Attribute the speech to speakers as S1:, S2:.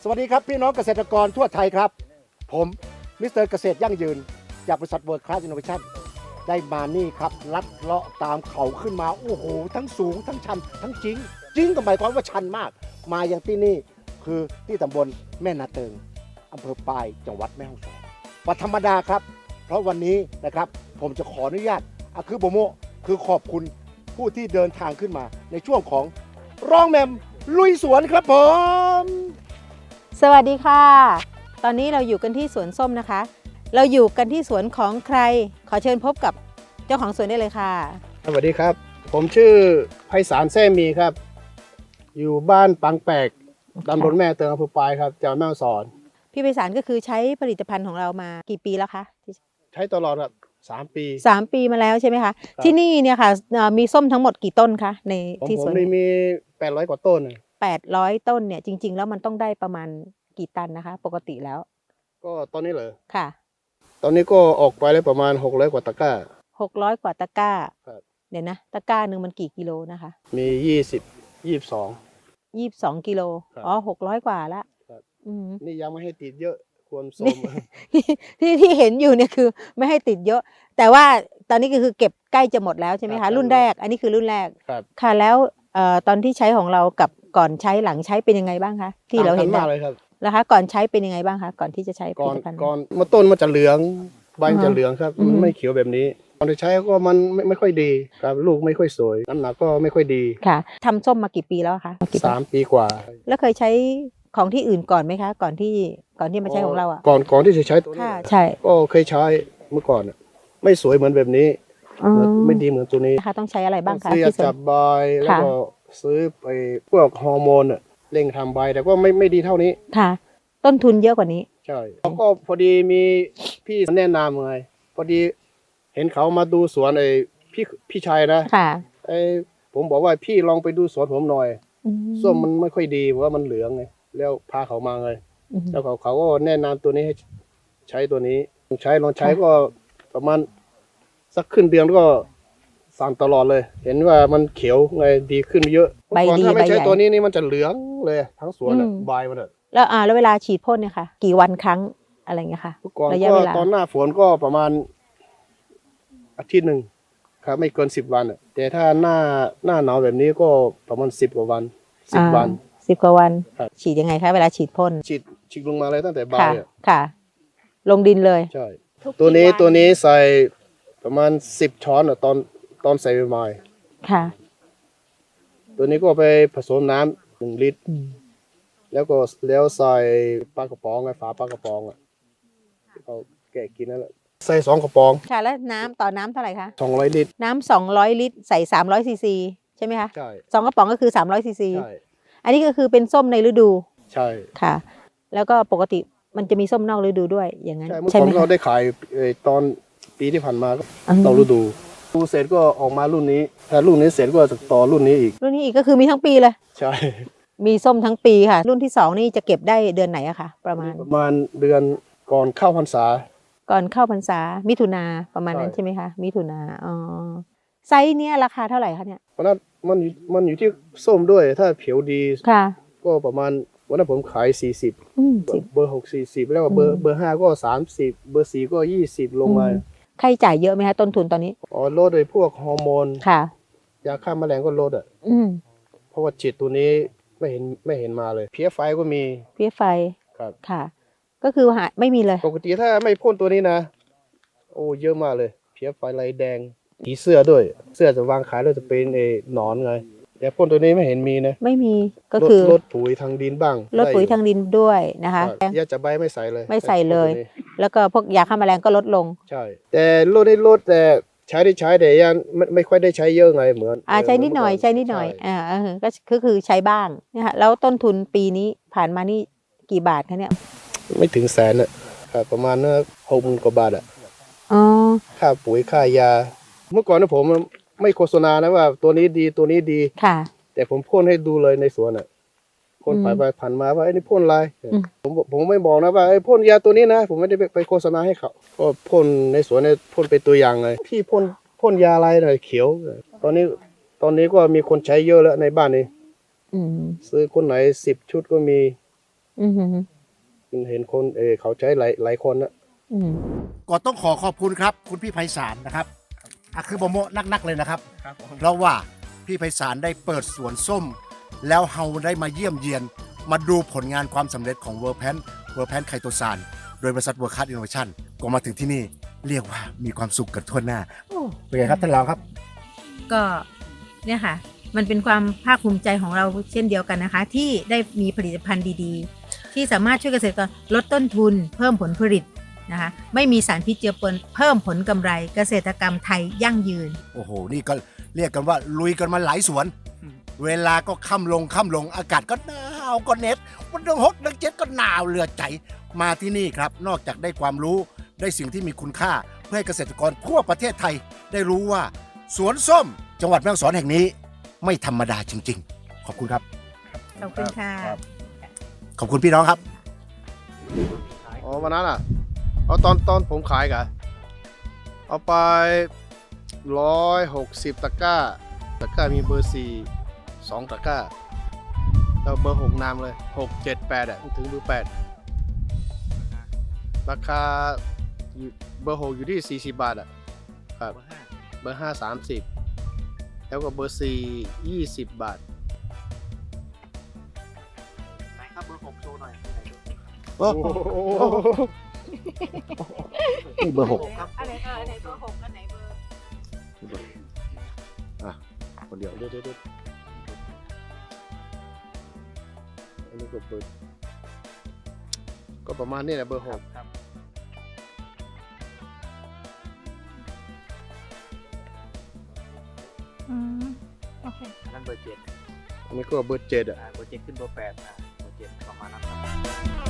S1: สวัสดีครับพี่น้องเกษตรกรทั่วไทยครับผมมิสเตอร์เกษตรยั่งยืนจากบริษัทเวิร์ดคลาสอินโนเวชั่นได้มานี่ครับลัดเลาะตามเขาขึ้นมาโอ้โหทั้งสูงทั้งชันทั้งจริงก็หมายความว่าชันมากมาอย่างที่นี่คือที่ตำบลแม่นาเติงอำเภอปายจังหวัดแม่ฮ่องสอนวันธรรมดาครับเพราะวันนี้นะครับผมจะขออนุญาตคือโบโมคือขอบคุณผู้ที่เดินทางขึ้นมาในช่วงของร้องแมมลุยสวนครับผม
S2: สวัสดีค่ะตอนนี้เราอยู่กันที่สวนส้มนะคะเราอยู่กันที่สวนของใครขอเชิญพบกับเจ้าของสวนได้เลยค่ะ
S3: สวัสดีครับผมชื่อไพศาลแซ่มีครับอยู่บ้านปังแปกตำบลแม่เติงอำเภอปายครับจังหวัดแม่ฮ่องสอน
S2: พี่ไพศาลก็คือใช้ผลิตภัณฑ์ของเรามากี่ปีแล้วคะ
S3: ใช้ตลอดครับ3 ปี
S2: 3 ปีมาแล้วใช่ไหมคะที่นี่เนี่ยค่ะมีส้มทั้งหมดกี่ต้นคะใน
S3: ผม
S2: ที่สวน
S3: มี800 กว่าต้นนะ
S2: 800 ต้นเนี่ยจริงๆแล้วมันต้องได้ประมาณกี่ตันนะคะปกติแล้ว
S3: ก็ตอนนี้เหรอ
S2: ค่ะ
S3: ตอนนี้ก็ออกไปแล้วประมาณ600 กว่าตะกร้า
S2: 600 กว่าตะกร้า
S3: ครับ
S2: เดี๋ยวนะตะกร้าหนึ่งมันกี่กิโลนะคะ
S3: มี22
S2: กิโล
S3: ครับ
S2: อ๋อ600 กว่าละ
S3: ครับ
S2: อืม
S3: นี่ยังไม่ให้ติดเยอะควรส้ม
S2: ที่เห็นอยู่เนี่ยคือไม่ให้ติดเยอะ แต่ว่าตอนนี้ก็คือเก็บใกล้จะหมดแล้วใช่ไหม
S3: ครั
S2: คะ
S3: บ
S2: รุ่นแรกอันนี้คือรุ่นแรก
S3: ครับ
S2: ค่ะแล้วตอนที่ใช้ของเรากับก่อนใช้หลังใช้เป็นยังไงบ้างคะที่เราเห็น
S3: ต่งกันมากเลยครับ
S2: นะคะก่อนใช้เป็นยังไงบ้างคะก่อนที่จะใช้ผ
S3: ก่อ
S2: ลิ
S3: น
S2: ตภัณฑ์
S3: ก่อนมาต้นมันจะเหลืองใบมัน
S2: อ่า
S3: จะเหลืองครับ
S2: อืม
S3: มันไม่เขียวแบบนี้ตอนที่ใช้ก็มันไม่ค่อยดีครับลูกไม่ค่อยสวยน้ำหนักก็ไม่ค่อยดี
S2: ค่ะทำส้มมากี่ปีแล้วคะกี่ปี
S3: 3 ปีกว่า
S2: แล้วเคยใช้ของที่อื่นก่อนไหมคะ ก่อนที่มาใช้ของเราอ่ะ
S3: ก่อนที่จะใช้ตัวนี้
S2: ค่ะใช่
S3: ก็เคยใช้เมื่อก่อนน่ะไม่สวยเหมือนแบบนี้
S2: อ๋อ
S3: ไม่ดีเหมือนตัวนี้
S2: นะคะต้องใช้อะไรบ้างคะ
S3: ซื้อยา
S2: ที่สว
S3: จั
S2: น
S3: บใบแล้วก็ซื้อไปพวกฮอร์โมนน่ะเร่งทำใบแต่ก็ไม่ดีเท่านี้
S2: ค่ะ ต้นทุนเยอะกว่านี้
S3: ใช่แล้วก็พอดีมีพี่แนะนำไงพอดีเห็นเขามาดูสวนพี่ชายนะ
S2: ค่ะ
S3: ผมบอกว่าพี่ลองไปดูสวนผมหน่อย
S2: อื
S3: ส้มมันไม่ค่อยดีเพราะว่ามันเหลืองไงแล้วพาเขามาไง
S2: อืม
S3: แล้วเขาก็แนะนำตัวนี้ให้ใช้ตัวนี้ลองใช้ก็ประมาณสักครึ่งเดือนก็สั่นตลอดเลย เห็นว่ามันเขียวไงดีขึ้นเยอะ
S2: ใบดี
S3: เมื่อก่อนถ้าไม่ใช้
S2: ใบใหญ่
S3: ตัวนี้นี่มันจะเหลืองเลยทั้งสวนอะ
S2: อืม
S3: ใบมันอะ
S2: แล้วเวลาฉีดพ่นเนี่ยค่ะ กี่วันครั้งอะไรเงี้ยค่ะ
S3: เมื่อก่อน
S2: ระยะ
S3: ก็
S2: เวลา
S3: ตอนหน้าฝนก็ประมาณอาทิตย์หนึ่งครับไม่เกิน10 วันอะแต่ถ้าหน้าหนาวแบบนี้ก็ประมาณ10 กว่าวัน10 วัน
S2: 10 กว่าวัน
S3: ครับ
S2: ฉีดยังไงคะเวลาฉีดพ่น
S3: ฉีดลงมาเลยตั้งแต่ใบ
S2: ค่ะ
S3: อะ
S2: ค่ะ ลงดินเลย
S3: ใช่ตัวนี้ใส่ประมาณ10 ช้อนอะตอนใส่ใหม่
S2: ค่ะ
S3: ตัวนี้ก็ไปผสมน้ำ1 ลิตร แล้วใส่ปลากระป๋องไงฝาปลากระป๋องอ่ะเขาแกะกินนั่นแหละใส่2 กระป๋อง
S2: ค่ะแล้วน้ำต่อน้ำเท่าไหร่คะ
S3: 200 ลิตร
S2: น้ำ200 ลิตรใส่300 ซีซีใช่ไหมคะ
S3: ใช่
S2: 2 กระป๋องก็คือ300 ซีซี
S3: ใช่
S2: อันนี้ก็คือเป็นส้มในฤดู
S3: ใช่
S2: ค่ะ แล้วก็ปกติมันจะมีส้มนอกฤดูด้วยอย่างนั้น
S3: ใช่เมื่อ
S2: ใช่
S3: ก่อ
S2: ไหม
S3: นเรา
S2: คะ
S3: ได้ขายตอนปีที่ผ่านมาก็
S2: อืม
S3: ต่อฤดูเสร็จก็ออกมารุ่นนี้ถ้ารุ่นนี้เสร็จก็จะต่อรุ่นนี้อีก
S2: รุ่นนี้อีกก็คือมีทั้งปีเลย
S3: ใช่
S2: มีส้มทั้งปีค่ะ รุ่นที่ 2 นี่จะเก็บได้เดือนไหนอะคะประมาณ
S3: ประมาณเดือนก่อนเข้าพรรษา
S2: ก่อนเข้าพรรษามิถุนาประมาณนั้น
S3: ใช่
S2: ใช่ไหมคะมิถุนาอ๋อไซส์เนี้ยราคาเท่าไหร่คะเนี่ย
S3: เพราะนั้นมันอยู่ที่ส้มด้วยถ้าผิวดี
S2: ค่ะ
S3: ก็ประมาณวันนั้นผมขาย40
S2: อืมสิบ
S3: เบอร์6 40แล้วก็เบอ
S2: อื
S3: ร์
S2: ม
S3: เบอร์5ก็30เบอร์4ก็20ลงมา
S2: ค่าใช้จ่ายเยอะไหมคะต้นทุนตอนนี้
S3: อ๋อลดโดยพวกฮอร์โมน
S2: ค่ะ
S3: ยาฆ่าแมลงก็ลดอ่ะ
S2: อืม
S3: เพราะว่าฉีดตัวนี้ไม่เห็นมาเลยเพี้ยไฟก็มี
S2: เพี้ยไฟ
S3: ครับ
S2: ค่ะ ก็คือหาไม่มีเลย
S3: ปกติถ้าไม่พ่นตัวนี้นะ โอ้เยอะมากเลยเพี้ยไฟลายแดงผีเสื้อด้วย เสื้อจะวางขายแล้วจะเป็นหนอนไงแต่พ่นตัวนี้ไม่เห็นมีนะ
S2: ไม่มีก็คือ
S3: ลดปุ๋ยทางดินบ้าง
S2: ลดปุ๋ยทางดินด้วยนะคะ
S3: ยาจะใบไม่ใส่เลย
S2: ไม่ใส่เลย
S3: พ่นตัวนี้
S2: แล้วก็พวกยาฆ่าแมลงก็ลดลง
S3: ใช่ แต่ลดแต่ใช้ได้ใช้แต่ยังไม่ค่อยได้ใช้เยอะไงเหมือน
S2: ใช้นิดหน่อยใช้นิดหน่อย
S3: ใช่
S2: ก็คือใช้บ้างนะคะแล้วต้นทุนปีนี้ผ่านมานี่กี่บาทคะเนี่ย
S3: ไม่ถึงแสนอ่ะครับประมาณ60,000 กว่าบาทอ่ะ
S2: อ๋อ
S3: ค่าปุ๋ยค่ายา เมื่อก่อนนะผมไม่โฆษณานะว่าตัวนี้ดีตัวนี้ดี
S2: ค่ะ
S3: แต่ผมพ่นให้ดูเลยในสวนอ่ะคน
S2: อืม
S3: ผ่านไปผ่านมาว่าไอ้นี่พ่นอะไร
S2: อืม
S3: ผมไม่บอกนะว่าไอ้พ่นยาตัวนี้นะผมไม่ได้ไปโฆษณาให้เขาก็พ่นในสวนเนี่ยพ่นเป็นตัวอย่างเลยพี่พ่นยาอะไรหน่อยเขียว ตอนนี้ก็มีคนใช้เยอะแล้วในบ้านนี้
S2: อืม
S3: ซื้อคนไหน10 ชุดก็มี
S2: อือหือ
S3: เห็นคนเขาใช้หลายคนนะ
S2: อืม
S1: ก็ต้องขอขอบคุณครับ คุณพี่ไพศาลนะครับคือโมโมนักๆเลยนะครับ เพราะว่าพี่ไพศาลได้เปิดสวนส้ม แล้วเฮาได้มาเยี่ยมเยียน มาดูผลงานความสำเร็จของเวอร์แพนไคโตซานโดยบริษัทเวอร์คัสอินโนเวชั่นก็มาถึงที่นี่เรียกว่ามีความสุขกันทั่วหน้าเป็นไงครับท่านรองครับ
S2: ก็เนี่ยค่ะ มันเป็นความภาคภูมิใจของเราเช่นเดียวกันนะคะ ที่ได้มีผลิตภัณฑ์ดีๆ ที่สามารถช่วยเกษตรกรลดต้นทุน เพิ่มผลผลิตนะคะ ไม่มีสารพิษเจือปนเพิ่มผลกำไรเกษตรกรรมไทยยั่งยืน
S1: โอ้โห นี่ก็เรียกกันว่าลุยกันมาหลายสวน เวลาก็ค่ำลงอากาศก็หนาวก็เหน็ดวันเดือน6 เดือน 7ก็หนาวเหลือใจมาที่นี่ครับ นอกจากได้ความรู้ได้สิ่งที่มีคุณค่าเพื่อให้เกษตรกรทั่วประเทศไทย ได้รู้ว่าสวนส้ม จังหวัดแม่ฮ่องสอนแห่งนี้ ไม่ธรรมดาจริงๆ ขอบคุณครับ
S2: ขอบคุณค่ะ
S1: ขอบคุณพี่น้องครับ
S3: อ๋อวันนั้นอ่ะเอาตอนผมขายกะเอาไป160 ตะกร้ามีเบอร์4 2 ตะกร้าแล้วเบอร์6นำเลย6 7 8อ่ะถึงเบอร์8ราคาอยู่เบอร์6อยู่ที่40 บาทอ่ะครับเบอร์5 30แล้วก็เบอร์4 20 บาท
S1: โอ้โหนี่เบอร์ 6
S2: อันไหนเบอร์6อันไหนเบอร์
S1: คนเดียว
S3: เดี๋ยวอันนี้ก็เบอร์ก็ประมาณนี้แหละเบอร์6
S2: โอเค
S4: อันนั้นเบอร์ 7
S3: อันนี้ก็เบอร์7อ่ะ
S4: เบอร์ 7 ขึ้นเบอร์ 8เบอร์ 7 ประมาณนั้นครับ